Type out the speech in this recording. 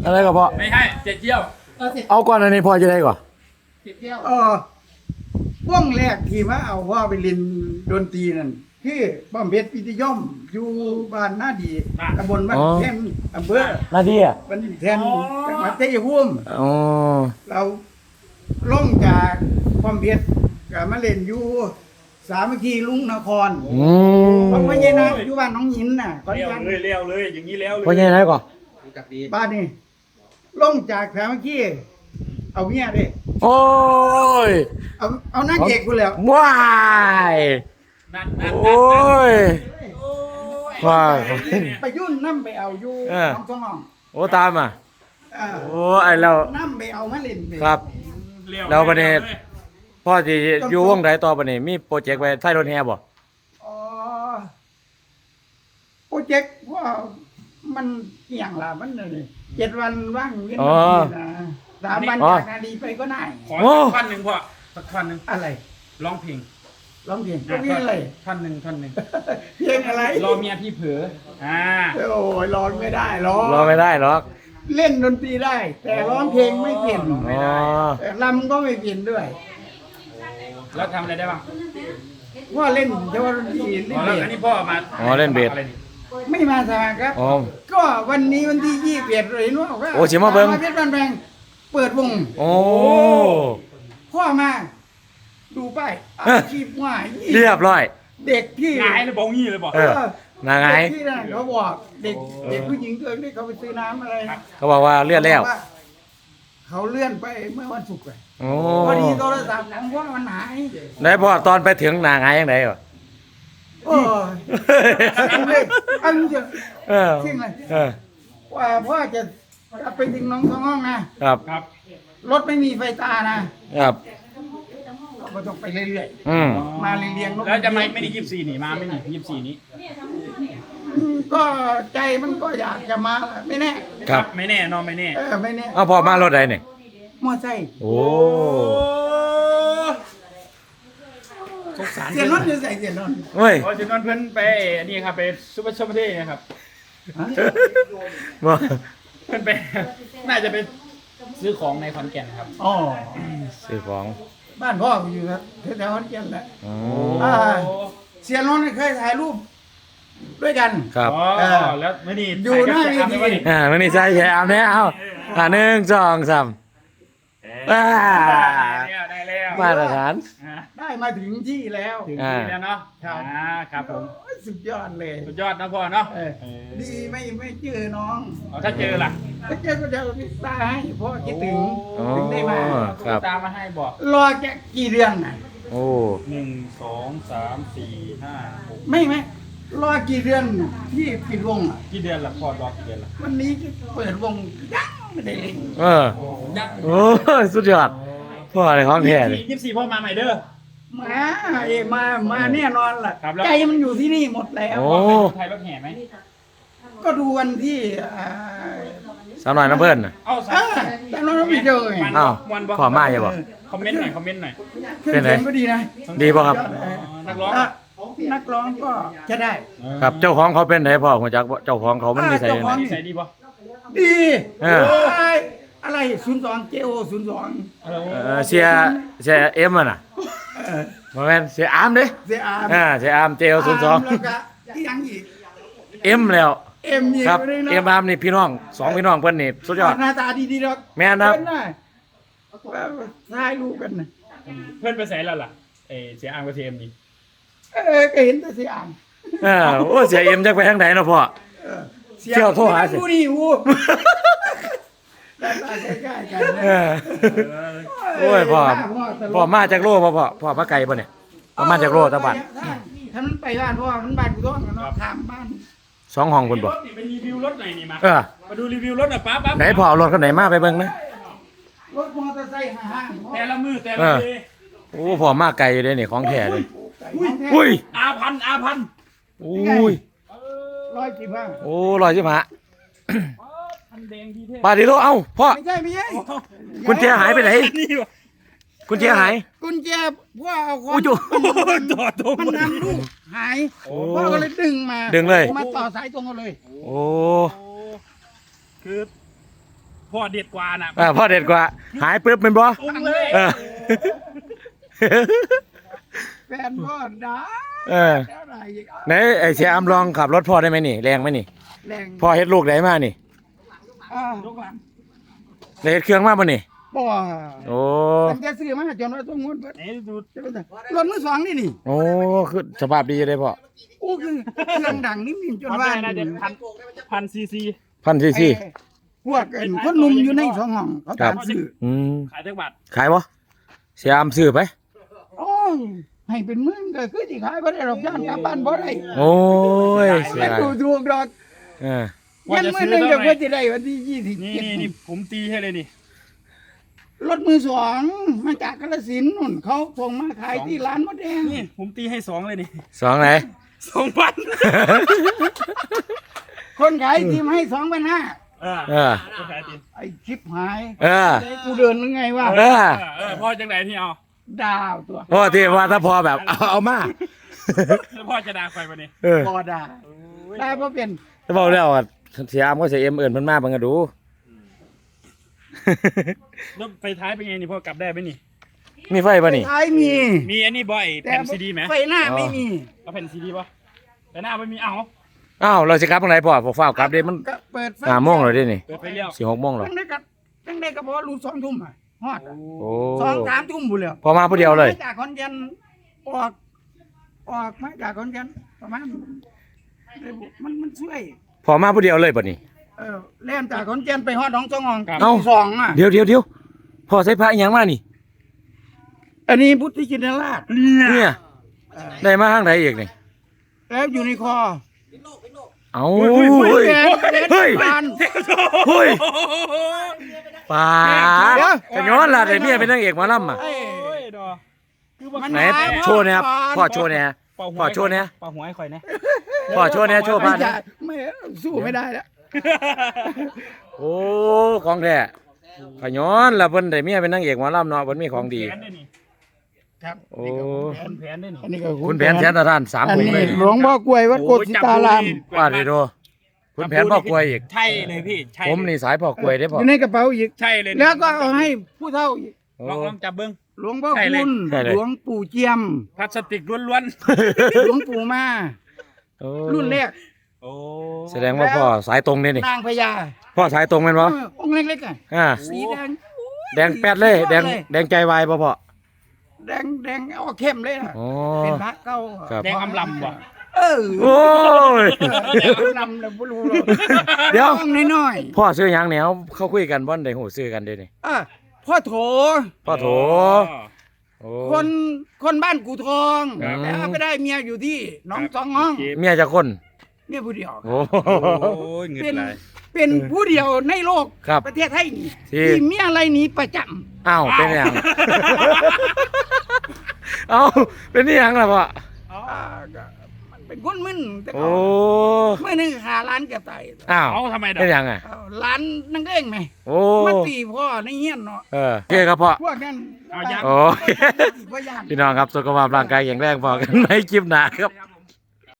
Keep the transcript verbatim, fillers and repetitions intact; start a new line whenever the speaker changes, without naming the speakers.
อะไรก็พอ
ไม่ให้เจ็ดเที่ยว
เอาก่อนอันนี้พอจะได้ก่อน
เจ็ดเที่ยวเออวงแรกที่มาเอาว่าไปเรียนดนตรีนั่นคือป้อมเพชรพิทยมอยู่บ้านนาดีตำบลบ้านแท่นอำเภอ
หน้าที่อ่ะ
บ้านแท่นจังหวัดชัยภูมิ
อ๋อ
เราลงจากป้อมเพชรก็มาเล่นอยู่สามัคคีลุงนคร
อืม
เพราะว่าเย็นนะอยู่บ้านน้องหินน่ะ
เลี้ยวเลยเลี้ยวเลยอย่างนี้แล้วเลย
พอจะได้ก่อน
บ้านนี่ลงจากสามัคคีเอาเมียดิ
โอ้ย
เอาเอาหน้าเอกกูแล้ว
ว้ายโอ้ยว้าย
ไปยุ่นน้ำไปเอาอยู่น้องทองห้อง
โอ้ตามอ่ะโอ้ไอเรา
น้ำไปเอามาเล่น
ครับเราประเด็นพ่อที่อยู่วงไหนต่อประเด็นมีโปรเจกต์ไปใช้รถแห่บ่
อ๋อโปรเจกต์ว่ามันเกี่ยงละมันเลยเจ็ดวันว่างเว้นนะสามวันจากนาดีไปก็ได้
ขอท่อนหนึ่งพ่อสักท่อนหนึ่ง
อะไร
ร้องเพลง
ร้องเพลงก็นี่อะไร
ท่อนหนึ่งท่อนหนึ่ง
เพลงอะไร
รอเมียพี่เผืออ่า
โอ้ยร้องไม่ได้ร้อง
ร้องไม่ได้หรอก
เล่นดนตรีได้แต่ร้องเพลงไม่เปลี่ยน
ไม่ได้
ลำก็ไม่เปลี่ยนด้วย
แล้วทำอะไรได้บ้าง
ว่าเล่นเฉพาะดนตรีเล่นเบส
อันนี้พ่อมา
อ๋อเล่นเบส
ไม่มาสมัครครับก็วันนี้วันที่ยี่สิบเอ็ดเลยนู้นว่า
โอ้ชิมาเบิ้ง
เพชรบ้านแพงเปิดวง
โอ้
พ่อมาดูป้ายอาชีพว่า
เรียบร้อย
เด็กที่
ไงเลยบอกงี้เลยบอก
เออนาไง
ที่นั่นเขาบอกเด็กเด็กผู้หญิงเกิดที่เขาไปซื้อน้ำอะไร
เขาบอกว่าเลื่อนแล้ว
เขาเลื่อนไปเมื่อวันศุกร์เลย
โอ้
พอดีโทรศัพท์ของพ่อมันหาย
ไหนพ่อตอนไปถึงนาไงยังไงวะ
โอ้ยอันนี้จะ
จ
ริงเลยว่าพ่อจะไปถึงน้องท้องห้องนะครับ
ครับ
รถไม่มีไฟตานะครับก็ต้องไปเรื่อยๆมาเรียง
ๆแล้วจะไม่ไม่ได้ยี่สิบสี่หนีมาไม่หนียี่สิบสี่นี้
ก็ใจมันก็อยากจะมาไม่แน่
ครับ
ไม่แน่นอนไม่แน่
เออไม่แน่
เอาพอมารถใดเนี่ย
มอไซค์
โอ้
เสียนนท์จะใส่เสียนนท์
เฮ้ย
เสียนนท์เพื่อนไปนี่ครับไปซุปเปอร์ชมเท่นะครับเพื่อนไปน่าจะไปซื้อของในขอนแก่นครับ
อ๋อ
ซื้อของ
บ้านพ่ออยู่ครับแถวขอนแก่นแหละอ๋อเสียนนท์เคยถ่ายรูปด้วยกัน
ครับ
แล้วไม่นี่
อยู่หน้าเวที
อ่าไม่นี่ใช่แย่เอาเนี่ยเอาอ่าหนึ่งสองสาม
ได้แล้ว
มาตรฐาน
ได้มาถึงที่แล้ว
ถึงที่แล้วเนาะครับครับผม
สุดยอดเลย
สุดยอดนะพ่อเนาะ
ดีไม่ไม่เจอน้อง
ถ้าเจอล่ะ
ถ้าเจอก็จะติดตาให้พ่อคิดถึงถึงได้มา
ตามมาให้บอก
รอแค่กี่เดือนน่ะ
โอ้
หนึ่งสองสามสี่ห้าหก
ไม่ไหมรอกี่เดือนที่ปิดวงอ่ะ
กี่เดือนละพอรอกี่เดือนละ
วันนี้จะเปิดวงยังไม่ได้เล่น
เออโอ้สุดยอดพ่ออะไรของแท้เลย
ยี่สิบสี่พ่อมาใหม่เด้อ
มาเอมามาแน่นอนล่ะใจมันอยู่ที่นี่หมดแล้ว
โอ้
ไทยรถแห่ไหม
ก็ดูวันที่
สาวหน่อยน้ำเพื่อนน่ะ
เอาสาวน้อยน้ำไม่เจอไง
อ้าวพ่อมาอย่าบอก
คอมเมนต์หน่อยคอมเมนต์หน่อย
เป็นไงก็ดีนะ
ดีป่ะครับ
นักร้องนักร้องก็จะได้
ครับเจ้าของเขาเป็นไหนพ่อหัวจักเจ้าของเขามันมีใส่
ไหน
ใส่ดีป่ะ
ดีอะไรศูนย์สองเจโอศูนย์สอง
เสียเสียเอ็มอ่ะน่ะมาแม่นเสียอาร์มดิ
เสียอาร์ม
อ่าเสียอาร์มเจโอศูนย์สอง
แล้วก็ยังอีก
เอ็มแล้ว
เอ็ม
ครับเอ็มอาร์มนี่พี่น้องสองพี่น้องเพื่อนนี่สุดยอด
หน้าตาดีๆหรอก
แม่นะครับ
ถ่ายรูปกันนะ
เพื่อนไปใส่แล้วล่ะเอเสียอาร์มกับเอ็มนี่
เออก็เห็นแต่เสียอาร์ม
อ่าโอ้เสียเอ็มจะไปทางไหนเนาะพ่อเที่ยวโทรหาเสีย
นี่วูใกล้ๆกัน
โอ้ยพ่อพ่อมาจากโลพ่อพ่อพ่อมาไกลป่ะเนี่ยพ่อมาจากโลตะบัด
ถ้ามันไปบ้านพ่อมันบ้านกูต้องเนาะถามบ้าน
สองห้องคนบ่
ไปรีวิวรถหน่อยนี่มา
เออ
มาดูรีวิวรถหน่อยป๊าป๊า
ไหนพ่อรถคันไหนมาไปเบิ่งนะ
รถมอเตอร์ไซค์ห้าง
แต่ละมือแต่ละที
โอ้พ่อมาไกลอยู่เลยนี่ของแท้เลย
อุ้ยอาพันอาพัน
อุ้ย
ร้อยสิบห้า
โอ้ร้อยสิบห้าปาดิโลเอ้าพ่อ
ไม่ใช่ไม่ใช่
กุญแจหายไปไหนกุญแจหาย
กุญแจพ่อเอาของมันนำลูกหายพ่อก็เลยดึงมา
ดึงเลย
มาต่อสายตรงกันเลย
โอ้
คือพ่อเด็ดกว่าน่ะ
เออพ่อเด็ดกว่า หายปึ๊บเป็นบ่
ตรงเลย
เออ
แฟนพ่อด่า
เออ
แล้วอะไรอีกอ่ะ
ไหนไอ้เสียอำลองขับรถพ่อได้ไหมนี่แรงไหมนี่
แรง
พ่อเฮ็ดลูกได้มานี่
อ่า
ลูกหลาน
ได้เฮ็ดเครื่องมาบ่นี่
บ่
โอ้
ตั้งแต่ซื้อมาจนว่าต้องงวดเบิด
ไหนดู
จะเป็นไงรถมือสองนี่นี่
โอ้คือสภาพดีเลยพ่อ
โอ้คือเครื่องดังนิ่มๆจน
ความ
ว่า
แรงน่าจะพันพันซีซี
พันซีซี
ไอ้พวกไอ้คนหนุ่มอยู่ในสองห้องเขาตามซื้อ
อืม
ขายจักบาท
ขายบ่เสียอำซื้อไป
โอ้ยให้เป็นหมื่นก็คือสิขายบ่ได้หรอกย่านกลับบ้านบ่ได้
โอ้ยเสีย
แต่
ดาย
ดูถูกดอก
เออ
ยันมื้อหนึงเดี๋ยวเพิ่นสิได้วันที่ยี่สิบ
นี่
เจ็ด
นี่นี่ผมตีให้เลยนี่
รถมือสองมาจากกาฬสินธุ์นู่นเขาส่งมาขายที่ร้านมดแดง
นี่ผมตีให้สองเลยนี่
สองไหน
สองพัน
คนขายทีมให้สองพันห้า
เออ
เออ
ก็ขายตี
ไอ้ชิปหาย
เออ
กูเดินยังไงวะ
เออ
เออพ่อจังไหนที่เอา
ดาวตัว
พ่อที่ว่าถ้าพอแบบเอาเอามา
แล้วพ่อจะด่าใครมาเนี่ย
เออ
บอดาได้เพราะเป็น
ถ้าบอกแล้วอ่ะเสียอำก็เสียเอ็มเอิ่นเพิ่นมาเบิ่งก็ดู
แล้วไฟท้ายเป็นไงนี่พ่อกลับได้ไหมนี่
มีไฟป่ะนี่
ท้ายมี
มีอันนี้บ่อยแผ่นซีดีไหม
ไฟหน้าไม่มี
เอาแผ่นซีดีป่ะแต่หน้าไม่มีเอา
อ้าวเราสิกลับตรงไหนพ่อพอฟ้าวกลับเด้มัน
ก็เปิดไฟ
ห้าโมงแล้วเด้นี่
เปิดไฟเลี้ยว
สี่หกโมงแล้ว
ตั้งได้กับตั้งได้ก็บอกว่ารูสองทุ่มอ่ะฮอดอะ
โอ้
สองสามทุ่มบุญแล้ว
พอมาผู้เดียวเลย
มาจากขอนแก่นออกออกมาจากขอนแก่นประมาณมันมันช่วย
พอมาผู้เดียวเลยป่ะนี่
เออเล่นจากขอนแก่นไปฮอดหนองสองหอง
เอ้า
สองอ่ะ
เดี๋ยวเดี๋ยวเดี๋ยวพ่อใส่พระอีหยังมานี่
อันนี้พุทธิจินราช
เนี่ย
เออ
ได้มาทางไหนอีกนี่
แล้วอยู่ในคอ
เอ้า
เฮ้
เฮ้ย
ยเฮ้ย
เฮ้ย
ปาน
เฮ้ยป่า
เดี๋ยว
จะย้อนล่ะได้เมียเป็นนางเอกหมอลำอ่ะ
เอ้ย
โอ้ยดอคือว่า
มัน
ไหน
หาย
โชว์เนี่ยครับ
ก่อน
พ่อโชว์เนี่ย
เป่าหัว
พ่อโชว์เนี่ย
เป่าหัวให้ข่อยนะ
พ่อโชว์เนี่ยโชว์
ไม่
พัน
จะไม่สู้ไม่ได้แล้ว
โอ้ของแท้ขย้อนล่ะเพิ่นได้เมียเป็นนางเอกหมอลำเนาะเพิ่นมีของดี
แผนได้นี่
ครับ
โอ้
แผนแผนได้นี่
อันนี้ก็
คุณแผนแสนตะท่านสาม
อัน
ถุง
นี้
เลย
หลวงพ่อกล้วยวัดโกศิตาราม
ว่าดิโดคุณแผนพ่อกล้วยอีก
ใช่เลยพี่ใช่
ผมนี่สายพ่อกล้วยได้อ
อ
พ่อ
ยู่ในกระเป๋าอีก
ใช่เลย
แล้วก็เอาให้ผู้เฒ่าอีก
โอ้
ลองลองจับเบิ้ง
หลวงพ่อ
ใช่เลย
คุณ
ใช่เลย
หลวงปู่เจียม
พลาสติกล้วน
หลวงปู่มา
โอ้
รุ่นแรก
ๆโอ้
แสดงว่าพ่อสายตรงเนี่ยนี่
นางพญา
พ่อสายตรงแม่นบ่
เออองค์เล็กๆอ่ะ
อ่า
สีแดง
แดงแป๊ดเลย แดงแดงใจวายบ่พ่อ
แดงแดงเอาเข้มเลยนะ
อ๋อ
เป็นพระเก้า
ครับ
แดงอำลำว่ะ
เออ
โอ้ย
แดงอำลำเราไม่รู้หรอก
เดี๋ยว
ต้องน้อย
พ่อซื้อหยังแนวเขาคุยกันบ่ได้หูซื้อกันเด้นี่
ๆอ่ะพ่อโถ
พ่อโถโอ้
คนคนบ้านกูทอง
ครับ
แล้วก็ได้เมียอยู่ที่หน้องสองห้อง
เมียจักคน
เมียผู้เดียว
โอ้
โอ้ยเงิน
เป็น
ไหล
เป็นผู้เดียวในโลก
ครับ
ประเทศไทยนี่
ที่
ที่เมียอะไรหนี้ประจำ
อ้าวเป็นหยังเอ้าเป็นนี่หยังล่ะพ่อ
อ่าก็มันเป็นคนมึนแต่
โอ้
เขาเมื่อนึงขาร้านเกือบตาย
อ้าว
เอาทำไมดอก
เป็นหยังอ่ะ
เอาร้านนั่งเด้งไหม
โอ้
มันตีพ่อในเฮียนเนาะ
เออโอเคครับพ่อ
พวกนั้น
เอายัง
โอ้ย
พ่อย่าน
พี่น้องครับสุขภาพร่างกายแข็งแรงพอกันในคลิปหน้าครับ